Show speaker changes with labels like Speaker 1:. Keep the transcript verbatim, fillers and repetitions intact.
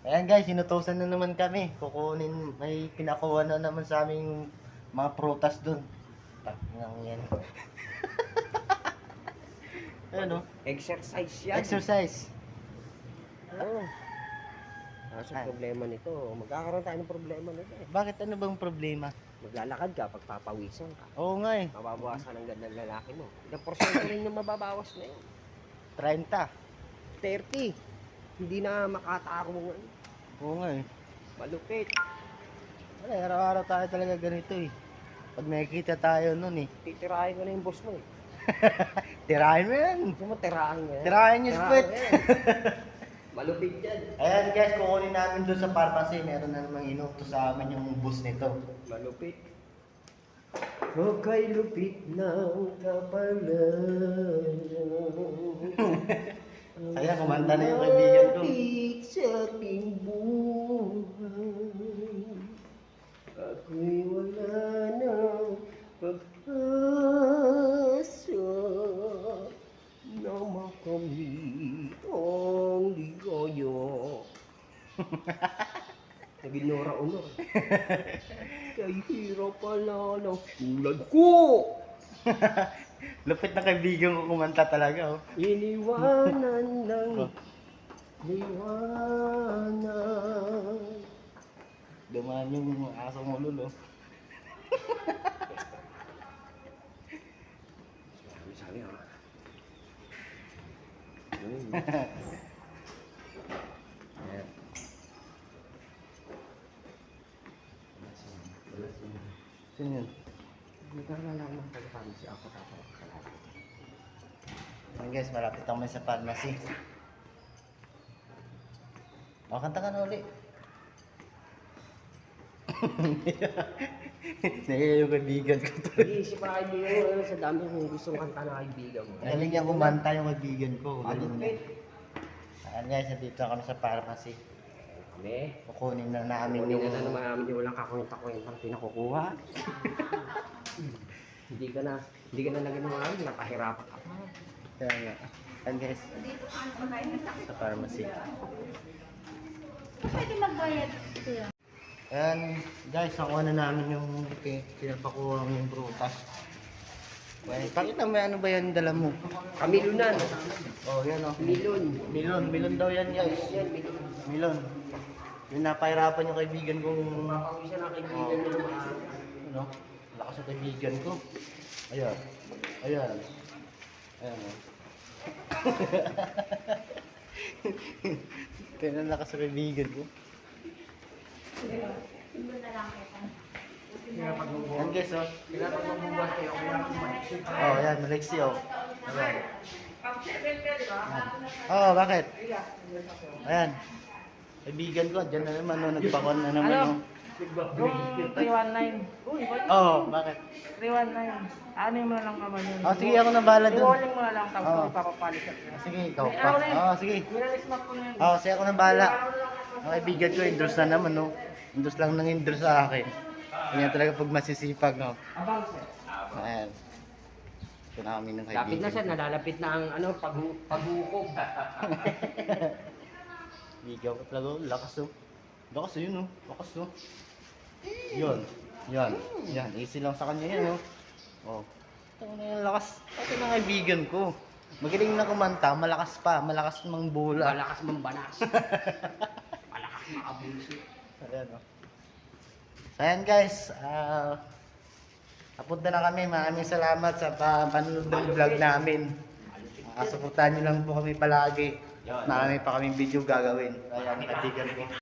Speaker 1: Ayan guys, sinutusan na naman kami. Kukunin, may pinakuha na naman sa aming mga prutas dun. Taknang yan. Ayan o.
Speaker 2: Exercise yan.
Speaker 1: Exercise.
Speaker 2: Oo. Kaso
Speaker 1: Ah.
Speaker 2: problema nito, magkakaroon tayo ng problema nito eh.
Speaker 1: Bakit ano bang problema?
Speaker 2: Maglalakad ka, pagpapawisan ka.
Speaker 1: Oo nga eh.
Speaker 2: Mababawasan ang ganda ng lalaki mo. Ilang porsyento rin yung mababawas na yun?
Speaker 1: thirty.
Speaker 2: thirty. Hindi na makatako mo ngayon.
Speaker 1: Oo nga eh.
Speaker 2: Malupit.
Speaker 1: Wala, araw-araw tayo talaga ganito eh. Pag nakikita tayo nun eh.
Speaker 2: Titirahin ko na yung boss mo eh.
Speaker 1: Tirahin mo yan.
Speaker 2: Gusto mo tirahin mo yan?
Speaker 1: Tirahin yung split.
Speaker 2: mo yan. Malupit yan.
Speaker 1: Ayan guys, kukunin namin doon sa pharmacy. Meron na namang inuto sa amin yung bus nito.
Speaker 2: Malupit. Okay, lupit ng kapalan.
Speaker 1: Saya, kumanta na yung kaibigan ko.
Speaker 2: Malupit sa ating buhay. Ako'y wala na pag-asa na makamit ang ligaya. Nag-inora honor. Kay hirap pala ng tulad ko.
Speaker 1: Lupit na kaibigan ko kumanta talaga oh.
Speaker 2: Iniwanan ng
Speaker 1: Oh.
Speaker 2: liwanag.
Speaker 1: Dumaan yung asong ulol oh.
Speaker 2: Sabi sabi ha.
Speaker 1: Ayan. Sino yun?
Speaker 2: Nagkakalala ko ng pagkakamisi ako tapos kalala.
Speaker 1: Ayan guys, malapit kami sa pharmacy. O, kanta ka na uli. Naiya yung kaibigan ko to.
Speaker 2: Nag-iisip pa kaibigan mo sa dami kung gustong kanta na kaibigan mo.
Speaker 1: Galing niya kumanta yung kaibigan ko. Galing niya.
Speaker 2: Malupit.
Speaker 1: Ayan guys, nandito kami sa pharmacy.
Speaker 2: Kami.
Speaker 1: Kukunin na namin
Speaker 2: Kunin
Speaker 1: yung...
Speaker 2: na na naman namin yung walang kakwenta-kwentang pinakukuha. Hindi ka na, hindi ka na naging mga ano, napahirapan ka pa.
Speaker 1: Kaya nga. Ayan guys, sa pharmacy.
Speaker 3: Pwede magbayad kuya.
Speaker 1: Ayan guys, nakuha na namin yung pi- pinapakuha yung prutas. Well, pakita mo ano ba yan dala mo?
Speaker 2: Kamilunan.
Speaker 1: Oh, yan oh.
Speaker 2: Milon.
Speaker 1: Milon, milon daw yan guys.
Speaker 2: Yan, milon.
Speaker 1: Milon. Yung napahirapan yung kaibigan kong...
Speaker 2: Papawisan na kaibigan mo ng mga...
Speaker 1: Ano? Lakas ng kaibigan ko. Ayan. Ayan. Ayan oh. Kaya na lakas ng kaibigan ko.
Speaker 3: Tingnan na lang kita.
Speaker 1: Ayan guys oh.
Speaker 2: Kailangan magbubuhat kayo. Kailangan
Speaker 1: Oh, ayan, Malexi oh. Ayan. Oh, bakit? Ayan. Kaibigan ko, dyan na naman, no, nagpakon na naman, no.
Speaker 4: three one nine.
Speaker 1: Oh, bakit?
Speaker 4: three one nine. Ano mo na lang naman yun?
Speaker 1: Oh, sige, ako na bahala dun.
Speaker 4: I-warning mo na lang tapos
Speaker 1: Oo.
Speaker 4: oh. ipapapalit at yan.
Speaker 1: Sige, ikaw pa. Oh, sige.
Speaker 4: Minalis mo ko na yun.
Speaker 1: Oh, sige, ako na bahala. Ang kaibigan ko, endorse na naman, no. Endorse lang nang endorse sa akin. Ganyan talaga pag masisipag, no.
Speaker 4: Abang sir.
Speaker 1: Ayan. Ito na kami ng
Speaker 2: Lapit na
Speaker 1: kaibigan.
Speaker 2: siya, nalalapit na ang ano, paghu paghukog.
Speaker 1: Bigaw ko talaga, oh. Lakas, oh. Lakas, oh, yun, oh. Lakas, oh. Yun. Yan. Yan. Easy lang sa kanya yan, oh. Oh. Ito na yung lakas. Ito na kaibigan ko. Magaling na kumanta, malakas pa, malakas mang bola.
Speaker 2: Malakas mambanas. Malakas makabulso.
Speaker 1: Ayan, oh. So, ayan guys, ah, napunta na kami. Maraming salamat sa pa panonood ng vlog namin. Uh, suportahan nyo lang po kami palagi. Marami pa kaming video gagawin. Ayan, kaibigan ko.